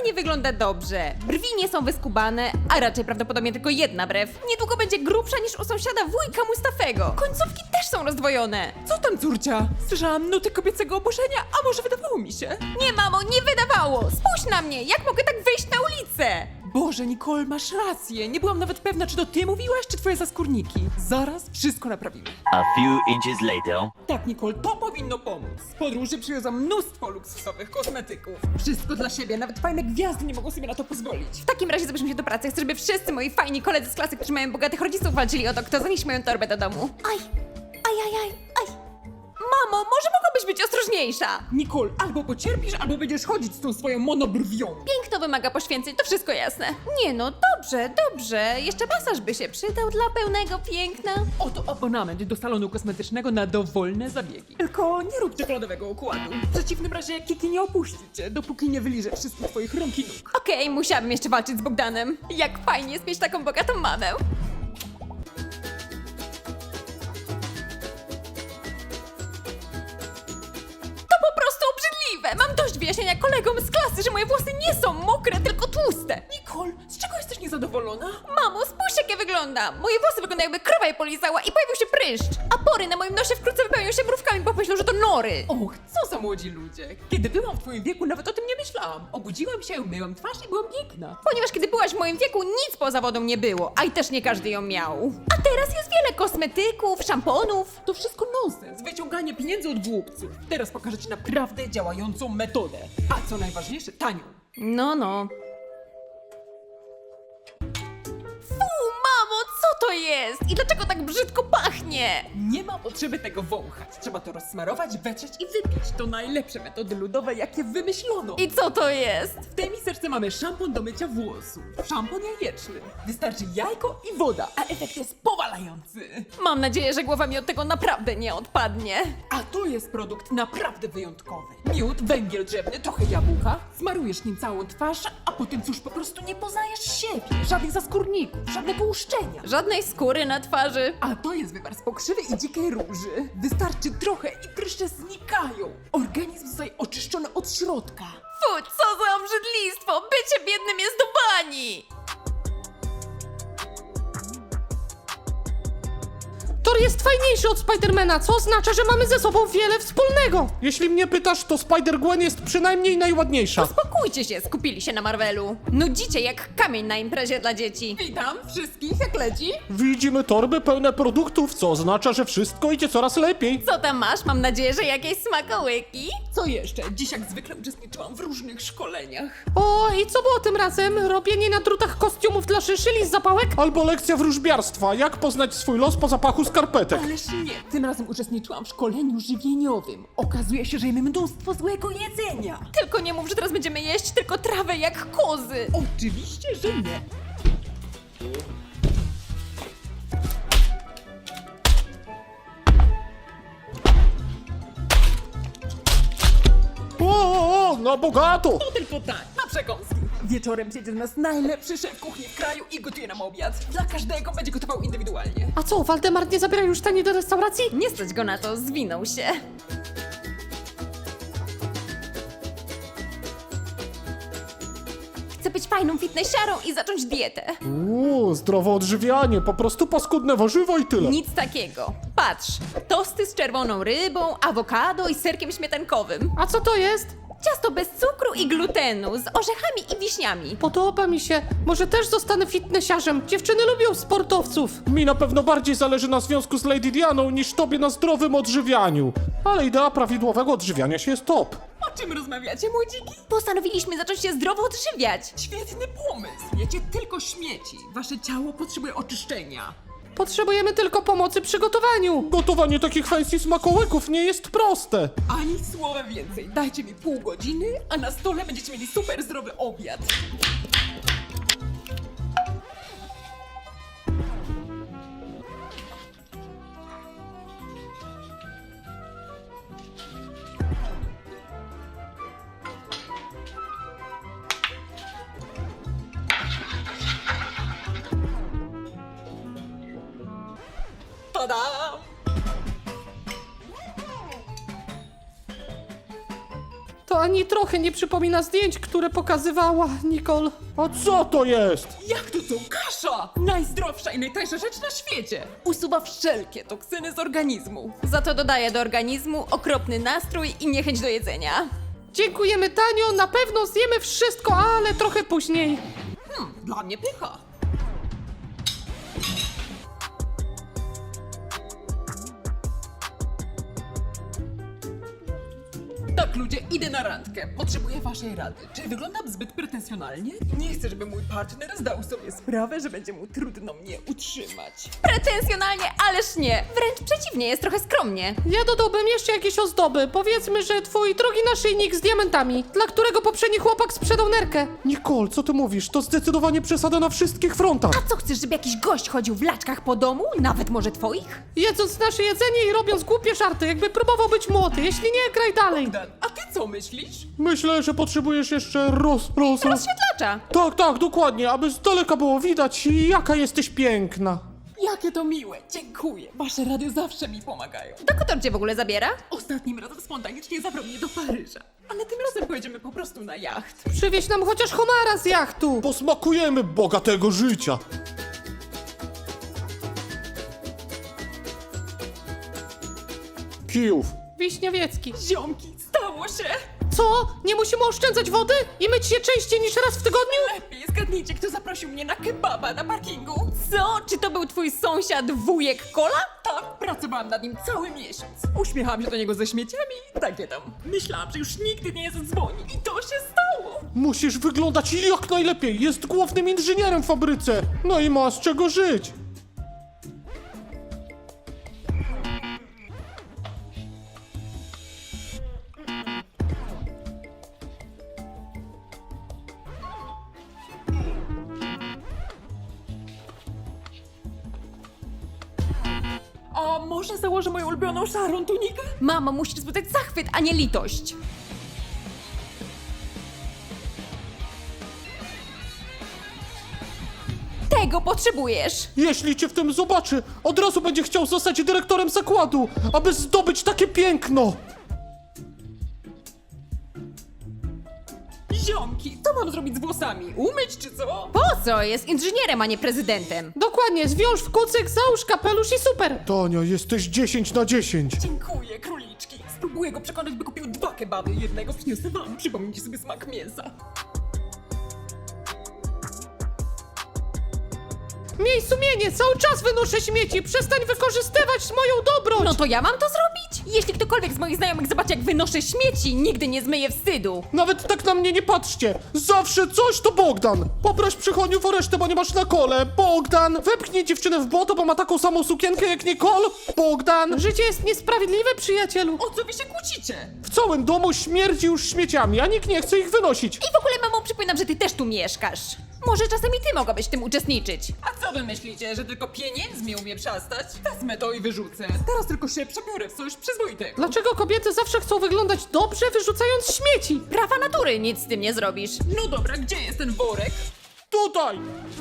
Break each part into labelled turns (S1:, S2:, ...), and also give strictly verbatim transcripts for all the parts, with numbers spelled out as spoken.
S1: nie wygląda dobrze. Brwi nie są wyskubane, a raczej prawdopodobnie tylko jedna brew. Niedługo będzie grubsza niż u sąsiada wujka Mustafego. Końcówki też są rozdwojone.
S2: Co tam, córcia? Słyszałam nuty kobiecego oburzenia, a może wydawało mi się?
S1: Nie, mamo, nie wydawało! Spójrz na mnie! Jak mogę tak wyjść na ulicę?
S2: Boże, Nicole, masz rację. Nie byłam nawet pewna, czy to ty mówiłaś, czy twoje zaskórniki. Zaraz wszystko naprawimy.
S3: A few inches later.
S2: Tak, Nicole, to powinno pomóc. Z podróży przywiozłam mnóstwo luksusowych kosmetyków. Wszystko dla siebie, nawet fajne gwiazdy nie mogą sobie na to pozwolić.
S1: W takim razie zabierzmy się do pracy. Chcę, żeby wszyscy moi fajni koledzy z klasy, którzy mają bogatych rodziców, walczyli o to, kto zaniesie moją torbę do domu. Aj, aj, aj, aj, aj. Mamo, może mogłabyś być ostrożniejsza?
S2: Nicole, albo pocierpisz, albo będziesz chodzić z tą swoją monobrwią.
S1: Piękno wymaga poświęceń, to wszystko jasne. Nie no, dobrze, dobrze. Jeszcze masaż by się przydał dla pełnego piękna.
S2: Oto abonament do salonu kosmetycznego na dowolne zabiegi. Tylko nie rób czekoladowego układu. W przeciwnym razie Kiki nie opuści cię, dopóki nie wyliże wszystkich twoich rąk i nóg.
S1: Okej, musiałabym jeszcze walczyć z Bogdanem. Jak fajnie jest mieć taką bogatą mamę. To po prostu obrzydliwe! Mam dość wyjaśnienia kolegom z klasy, że moje włosy nie są mokre, tylko tłuste.
S2: Nicole, z czego jesteś niezadowolona?
S1: Mamo, spójrz jak ja wyglądam! Moje włosy wyglądają jakby krowa je polizała i pojawił się pryszcz. A pory na moim nosie wkrótce wypełnią się mrówkami, bo myślą, że to nory.
S2: Och, co za młodzi ludzie. Kiedy byłam w twoim wieku, nawet o tym nie myślałam. Obudziłam się, myłam twarz i byłam piękna.
S1: Ponieważ kiedy byłaś w moim wieku, nic poza wodą nie było, a i też nie każdy ją miał. A teraz jest wiele kosmetyków, szamponów.
S2: To wszystko nonsens, wyciąganie pieniędzy od głupców. Teraz pokażę ci naprawdę działającą metodę. A co najważniejsze, tanią.
S1: No, no. Fu, mamo, co to jest? I dlaczego tak brzydko pachnie?
S2: Nie ma potrzeby tego wąchać. Trzeba to rozsmarować, wetrzeć i wypić. To najlepsze metody ludowe, jakie wymyślono.
S1: I co to jest?
S2: W tej miseczce mamy szampon do mycia włosów. Szampon jajeczny. Wystarczy jajko i woda, a efekt jest powalający.
S1: Mam nadzieję, że głowa mi od tego naprawdę nie odpadnie.
S2: A to jest produkt naprawdę wyjątkowy. Miód, węgiel drzewny, trochę jabłka. Smarujesz nim całą twarz, a potem cóż, po prostu nie poznajesz siebie. Żadnych zaskórników, żadnego uszczenia.
S1: Żadnej skóry na twarzy.
S2: A to jest wywar z pokrzywy i dzikiej róży. Wystarczy trochę i pryszcze znikają. Organizm zostaje oczyszczony od środka.
S1: Fu, co za obrzydlistwo! Bycie biednym jest do bani!
S4: Thor jest fajniejszy od Spidermana, co oznacza, że mamy ze sobą wiele wspólnego. Jeśli mnie pytasz, to Spider-Gwen jest przynajmniej najładniejsza.
S1: Spokójcie się, skupili się na Marvelu. Nudzicie jak kamień na imprezie dla dzieci.
S2: Witam wszystkich, jak leci?
S4: Widzimy torby pełne produktów, co oznacza, że wszystko idzie coraz lepiej.
S1: Co tam masz? Mam nadzieję, że jakieś smakołyki.
S2: Co jeszcze? Dziś jak zwykle uczestniczyłam w różnych szkoleniach.
S4: O, i co było tym razem? Robienie na drutach kostiumów dla szyszyli z zapałek? Albo lekcja wróżbiarstwa, jak poznać swój los po zapachu skarpetek.
S2: Ależ nie, tym razem uczestniczyłam w szkoleniu żywieniowym. Okazuje się, że jemy mnóstwo złego jedzenia.
S1: Tylko nie mów, że teraz będziemy jeść tylko trawę jak kozy.
S2: Oczywiście, że nie.
S4: O, o, o, na bogato!
S2: To tylko tak, na przekąski. Wieczorem przyjdzie do nas najlepszy szef kuchni w kraju i gotuje nam obiad. Dla każdego będzie gotował indywidualnie.
S4: A co, Waldemar nie zabiera już tani do restauracji?
S1: Nie stać go na to, zwinął się. Chcę być fajną fitnessiarą i zacząć dietę.
S4: Uuu, zdrowe odżywianie, po prostu paskudne warzywo i tyle.
S1: Nic takiego. Patrz, tosty z czerwoną rybą, awokado i serkiem śmietankowym.
S4: A co to jest?
S1: Ciasto bez cukru i glutenu, z orzechami i wiśniami.
S4: Podoba mi się. Może też zostanę fitnessiarzem. Dziewczyny lubią sportowców. Mi na pewno bardziej zależy na związku z Lady Dianą niż tobie na zdrowym odżywianiu. Ale idea prawidłowego odżywiania się jest top.
S2: O czym rozmawiacie, młodziki?
S1: Postanowiliśmy zacząć się zdrowo odżywiać.
S2: Świetny pomysł. Jecie tylko śmieci. Wasze ciało potrzebuje oczyszczenia.
S4: Potrzebujemy tylko pomocy przy gotowaniu. Gotowanie takich fancy smakołyków nie jest proste.
S2: Ani słowa więcej. Dajcie mi pół godziny, a na stole będziecie mieli super zdrowy obiad. Tada!
S4: To ani trochę nie przypomina zdjęć, które pokazywała Nicole. A co to jest?
S2: Jak to co? Kasza! Najzdrowsza i najtańsza rzecz na świecie! Usuwa wszelkie toksyny z organizmu.
S1: Za to dodaje do organizmu okropny nastrój i niechęć do jedzenia.
S4: Dziękujemy tanio, na pewno zjemy wszystko, ale trochę później.
S2: Hmm, dla mnie pycha. Tak, ludzie, idę na randkę. Potrzebuję waszej rady. Czy wyglądam zbyt pretensjonalnie? Nie chcę, żeby mój partner zdał sobie sprawę, że będzie mu trudno mnie utrzymać.
S1: Pretensjonalnie, ależ nie. Wręcz przeciwnie, jest trochę skromnie.
S4: Ja dodałbym jeszcze jakieś ozdoby. Powiedzmy, że twój drogi naszyjnik z diamentami, dla którego poprzedni chłopak sprzedał nerkę. Nicole, co ty mówisz? To zdecydowanie przesada na wszystkich frontach.
S1: A co, chcesz, żeby jakiś gość chodził w laczkach po domu? Nawet może twoich?
S4: Jedząc nasze jedzenie i robiąc głupie żarty, jakby próbował być młody. Jeśli nie, graj dalej.
S2: Dan, a ty co myślisz?
S4: Myślę, że potrzebujesz jeszcze roz... roz... roz...
S1: Rozświetlacza.
S4: Tak, tak, dokładnie, aby z daleka było widać, jaka jesteś piękna.
S2: Jakie to miłe, dziękuję. Wasze rady zawsze mi pomagają.
S1: Dokąd on cię w ogóle zabiera?
S2: Ostatnim razem spontanicznie zabrał mnie do Paryża. Ale tym razem pojedziemy po prostu na jacht.
S4: Przywieź nam chociaż homara z jachtu. Posmakujemy bogatego życia. Kijów. Wiśniowiecki.
S2: Ziomki, stało się!
S4: Co? Nie musimy oszczędzać wody? I myć się częściej niż raz w tygodniu?
S2: Lepiej zgadnijcie, kto zaprosił mnie na kebaba na parkingu.
S1: Co? Czy to był twój sąsiad wujek Kola?
S2: Tak, pracowałam nad nim cały miesiąc. Uśmiechałam się do niego ze śmieciami i takie tam. Myślałam, że już nigdy nie zadzwoni i to się stało.
S4: Musisz wyglądać jak najlepiej. Jest głównym inżynierem w fabryce. No i ma z czego żyć.
S2: A może założę moją ulubioną szarą tunikę?
S1: Mamo, musisz wzbudzać zachwyt, a nie litość. Tego potrzebujesz.
S4: Jeśli cię w tym zobaczy, od razu będzie chciał zostać dyrektorem zakładu, aby zdobyć takie piękno.
S2: Ziomki, co mam zrobić z włosami? Umyć czy co?
S1: Po co? Jest inżynierem, a nie prezydentem.
S4: Dokładnie, zwiąż w kucyk, załóż kapelusz i super. Tonia, jesteś dziesięć na dziesięć.
S2: Dziękuję, króliczki. Spróbuję go przekonać, by kupił dwa kebaby. Jednego przyniosę wam. Przypomnijcie sobie smak mięsa.
S4: Miej sumienie, cały czas wynoszę śmieci. Przestań wykorzystywać moją dobroć.
S1: No to ja mam to zrobić? Jeśli ktokolwiek z moich znajomych zobaczy, jak wynoszę śmieci, nigdy nie zmyje wstydu.
S4: Nawet tak na mnie nie patrzcie. Zawsze coś to Bogdan. Poproś przychodniów o resztę, bo nie masz na kole. Bogdan. Wepchnij dziewczynę w błoto, bo ma taką samą sukienkę jak Nicole. Bogdan. Życie jest niesprawiedliwe, przyjacielu.
S2: O co wy się kłócicie?
S4: W całym domu śmierdzi już śmieciami, a nikt nie chce ich wynosić.
S1: I w ogóle, mamo, przypominam, że ty też tu mieszkasz. Może czasem i ty mogłabyś w tym uczestniczyć.
S2: A co wy myślicie, że tylko pieniędzmi umie przestać? Wezmę to i wyrzucę. Teraz tylko się przebiorę w coś przyzwoitego.
S4: Dlaczego kobiety zawsze chcą wyglądać dobrze, wyrzucając śmieci?
S1: Prawa natury, nic z tym nie zrobisz.
S2: No dobra, gdzie jest ten worek?
S4: Tutaj!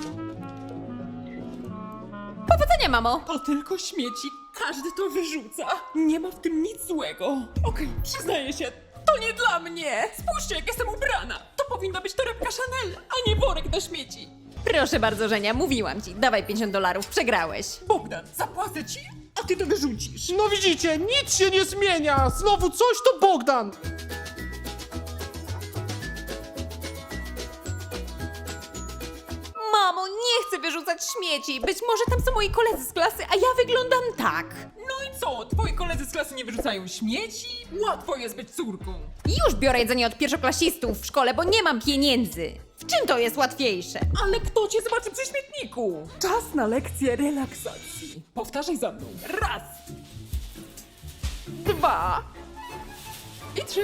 S1: Powodzenia, mamo.
S2: To tylko śmieci. Każdy to wyrzuca. Nie ma w tym nic złego. Okej, przyznaję się. To nie dla mnie! Spójrzcie, jak jestem ubrana! To powinna być torebka Chanel, a nie worek na śmieci!
S1: Proszę bardzo, Żenia, mówiłam ci. Dawaj pięćdziesiąt dolarów, przegrałeś.
S2: Bogdan, zapłacę ci, a ty to wyrzucisz!
S4: No widzicie, nic się nie zmienia! Znowu coś to Bogdan!
S1: Mamo, nie chcę wyrzucać śmieci. Być może tam są moi koledzy z klasy, a ja wyglądam tak.
S2: No i co? Twoi koledzy z klasy nie wyrzucają śmieci? Łatwo jest być córką!
S1: Już biorę jedzenie od pierwszoklasistów w szkole, bo nie mam pieniędzy. W czym to jest łatwiejsze?
S2: Ale kto cię zobaczy przy śmietniku? Czas na lekcję relaksacji. Powtarzaj za mną. Raz. Dwa. I trzy.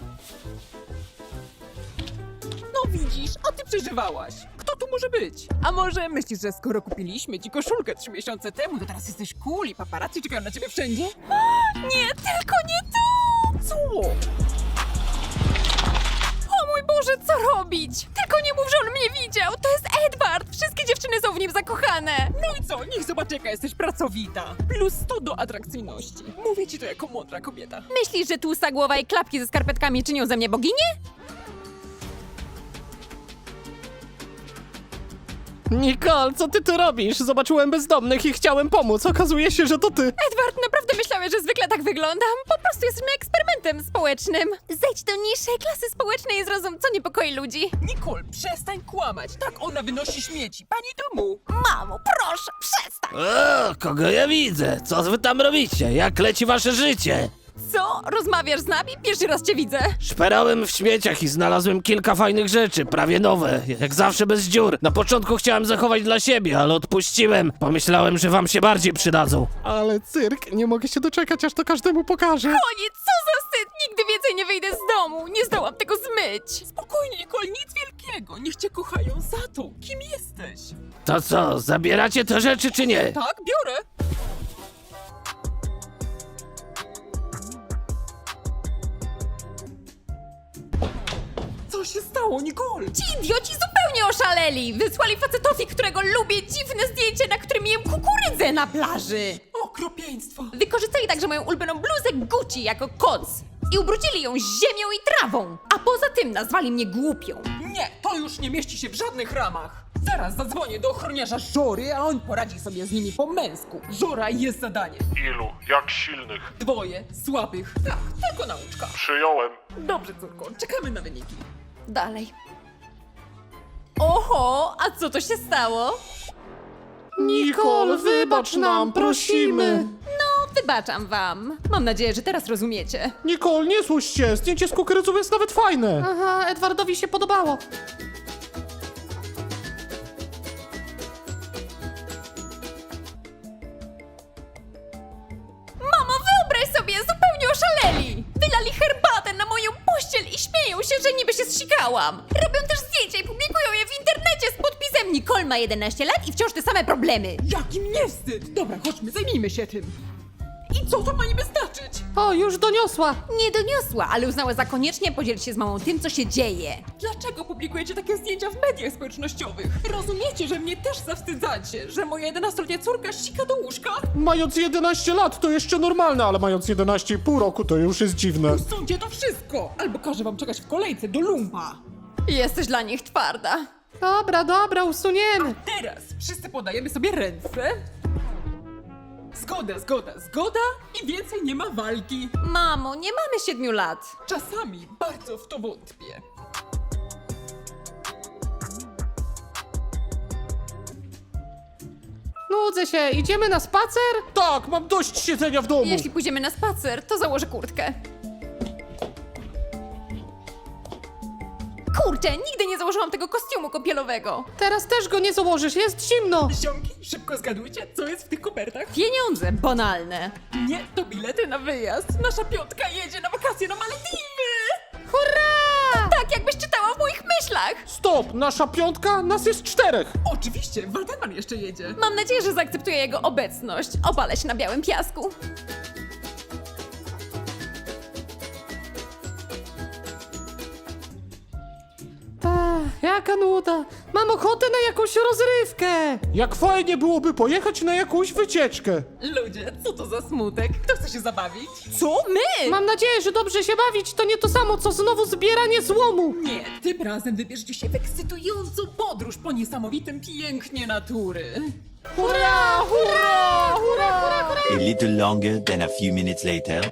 S2: No widzisz, a ty przeżywałaś. Kto tu może być? A może myślisz, że skoro kupiliśmy ci koszulkę trzy miesiące temu, to teraz jesteś cool i paparazzi czekają na ciebie wszędzie?
S1: Nie, tylko nie to!
S2: Co?
S1: O mój Boże, co robić? Tylko nie mów, że on mnie widział. To jest Edward. Wszystkie dziewczyny są w nim zakochane.
S2: No i co? Niech zobaczy, jaka jesteś pracowita. Plus sto do atrakcyjności. Mówię ci to jako mądra kobieta.
S1: Myślisz, że tłusta głowa i klapki ze skarpetkami czynią ze mnie boginię?
S5: Nicole, co ty tu robisz? Zobaczyłem bezdomnych i chciałem pomóc. Okazuje się, że to ty.
S1: Edward, naprawdę myślałeś, że zwykle tak wyglądam? Po prostu jesteśmy eksperymentem społecznym. Zejdź do niższej klasy społecznej i zrozum, co niepokoi ludzi.
S2: Nicole, przestań kłamać. Tak ona wynosi śmieci. Pani domu.
S1: Mamo, proszę, przestań.
S5: O, kogo ja widzę? Co wy tam robicie? Jak leci wasze życie?
S1: Co? Rozmawiasz z nami? Pierwszy raz cię widzę.
S5: Szperałem w śmieciach i znalazłem kilka fajnych rzeczy, prawie nowe, jak zawsze bez dziur. Na początku chciałem zachować dla siebie, ale odpuściłem. Pomyślałem, że wam się bardziej przydadzą. Ale cyrk, nie mogę się doczekać, aż to każdemu pokażę.
S1: Koniec, co za wstyd! Nigdy więcej nie wyjdę z domu. Nie zdołam tego zmyć.
S2: Spokojnie, Nicole, nic wielkiego. Niech cię kochają za to. Kim jesteś?
S5: To co, zabieracie te rzeczy czy nie?
S2: Tak, biorę. Co się stało, Nicole?
S1: Ci idioci zupełnie oszaleli. Wysłali facetowi, którego lubię, dziwne zdjęcie, na którym jem kukurydzę na plaży.
S2: Okropieństwo.
S1: Wykorzystali także moją ulubioną bluzę Gucci jako koc i ubrudzili ją ziemią i trawą. A poza tym nazwali mnie głupią.
S2: Nie, to już nie mieści się w żadnych ramach. Zaraz zadzwonię do ochroniarza Żory, a on poradzi sobie z nimi po męsku. Żora jest zadanie.
S4: Ilu? Jak silnych?
S2: Dwoje, słabych. Tak, tylko nauczka.
S4: Przyjąłem.
S2: Dobrze, córko, czekamy na wyniki.
S1: Dalej. Oho, a co to się stało?
S4: Nicole, wybacz nam, prosimy.
S1: No, wybaczam wam. Mam nadzieję, że teraz rozumiecie.
S4: Nicole, nie złość się, zdjęcie z kukurydzą jest nawet fajne.
S5: Aha, Edwardowi się podobało.
S1: Mamo, wyobraź sobie, zupełnie oszaleli! Wylali herbatę na moją pościel i śmieją się, że niby się zsikałam. Robią też zdjęcia i publikują je w internecie z podpisem Nicole ma jedenaście lat i wciąż te same problemy.
S2: Jaki nie wstyd! Dobra, chodźmy, zajmijmy się tym. I co to ma niby znaczyć?
S5: O, już doniosła.
S1: Nie doniosła, ale uznała za koniecznie podzielić się z mamą tym, co się dzieje.
S2: Dlaczego publikujecie takie zdjęcia w mediach społecznościowych? Rozumiecie, że mnie też zawstydzacie, że moja jedenastoletnia córka sika do łóżka?
S4: Mając jedenaście lat to jeszcze normalne, ale mając jedenaście i pół roku to już jest dziwne.
S2: Usuńcie to wszystko, albo każę wam czekać w kolejce do lumpa.
S1: Jesteś dla nich twarda.
S5: Dobra, dobra, usuniemy.
S2: Teraz wszyscy podajemy sobie ręce. Zgoda, zgoda, zgoda i więcej nie ma walki.
S1: Mamo, nie mamy siedmiu lat.
S2: Czasami bardzo w to wątpię.
S5: Nudzę się, idziemy na spacer?
S4: Tak, mam dość siedzenia w domu.
S1: Jeśli pójdziemy na spacer, to założę kurtkę. Kurczę, nigdy nie założyłam tego kostiumu kąpielowego.
S5: Teraz też go nie założysz, jest zimno.
S2: Ziomki, szybko zgadujcie, co jest w tych kopertach?
S1: Pieniądze banalne.
S2: Nie, to bilety na wyjazd. Nasza piątka jedzie na wakacje na Malediwy!
S1: Hurra! Tak, jakbyś czytała w moich myślach.
S4: Stop, nasza piątka, nas jest czterech.
S2: Oczywiście, Waldemar jeszcze jedzie.
S1: Mam nadzieję, że zaakceptuję jego obecność. Opalę się na białym piasku.
S5: Ta, jaka nuda. Mam ochotę na jakąś rozrywkę.
S4: Jak fajnie byłoby pojechać na jakąś wycieczkę.
S2: Ludzie, co to za smutek? Kto chce się zabawić?
S1: Co? My?
S5: Mam nadzieję, że dobrze się bawić to nie to samo, co znowu zbieranie złomu.
S2: Nie, tym razem wybierzcie się w ekscytującą podróż po niesamowitym pięknie natury.
S5: Hurra, hurra, hurra, hurra, hurra.
S3: A little longer than a few minutes later.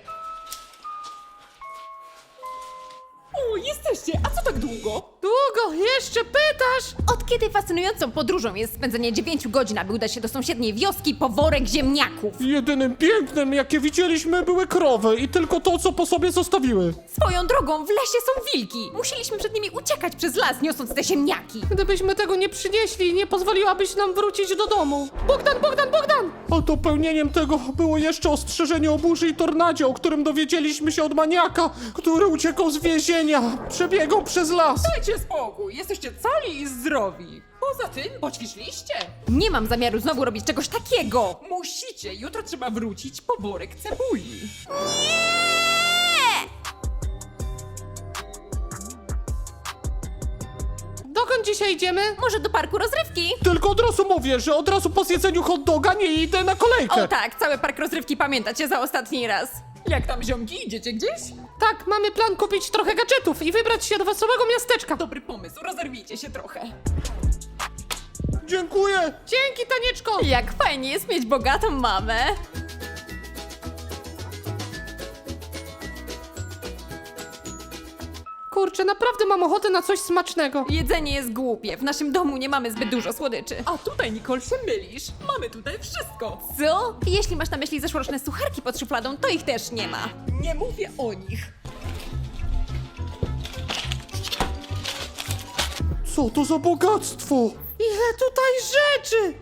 S2: O, jesteście, a co tak długo?
S5: Długo, jeszcze pytasz?
S1: Od kiedy fascynującą podróżą jest spędzenie dziewięciu godzin, aby udać się do sąsiedniej wioski po worek ziemniaków?
S4: Jedynym pięknym, jakie widzieliśmy, były krowy i tylko to, co po sobie zostawiły.
S1: Swoją drogą, w lesie są wilki. Musieliśmy przed nimi uciekać przez las, niosąc te ziemniaki.
S5: Gdybyśmy tego nie przynieśli, nie pozwoliłabyś nam wrócić do domu. Bogdan, Bogdan, Bogdan!
S4: A dopełnieniem tego było jeszcze ostrzeżenie o burzy i tornadzie, o którym dowiedzieliśmy się od maniaka, który uciekał z więzienia, przebiegał przez las.
S2: Dajcie spokój, jesteście cali i zdrowi. Poza tym, poćwiczyliście.
S1: Nie mam zamiaru znowu robić czegoś takiego.
S2: Musicie, jutro trzeba wrócić po worek cebuli.
S1: Nie!
S4: Dokąd dzisiaj idziemy?
S1: Może do parku rozrywki?
S4: Tylko od razu mówię, że od razu po zjedzeniu hot doga nie idę na kolejkę.
S1: O tak, cały park rozrywki pamiętacie za ostatni raz.
S2: Jak tam, ziomki, idziecie gdzieś?
S4: Tak, mamy plan kupić trochę gadżetów i wybrać się do wesołego miasteczka.
S2: Dobry pomysł, rozerwijcie się trochę.
S4: Dziękuję. Dzięki, Tanieczko.
S1: Jak fajnie jest mieć bogatą mamę.
S4: Kurczę, naprawdę mam ochotę na coś smacznego.
S1: Jedzenie jest głupie, w naszym domu nie mamy zbyt dużo słodyczy.
S2: A tutaj, Nicole, się mylisz. Mamy tutaj wszystko.
S1: Co? Jeśli masz na myśli zeszłoroczne sucharki pod szufladą, to ich też nie ma.
S2: Nie mówię o nich.
S4: Co to za bogactwo? Ile tutaj rzeczy!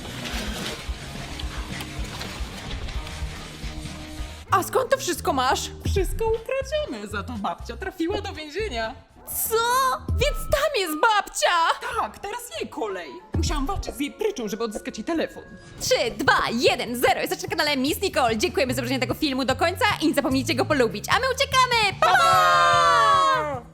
S1: A skąd to wszystko masz?
S2: Wszystko ukradzione, za to babcia trafiła do więzienia.
S1: Co? Więc tam jest babcia!
S2: Tak, teraz jej kolej. Musiałam walczyć z jej pryczą, żeby odzyskać jej telefon.
S1: trzy, dwa, jeden, zero. Jesteście na kanale Miss Nicole. Dziękujemy za obejrzenie tego filmu do końca i nie zapomnijcie go polubić. A my uciekamy! Pa! pa!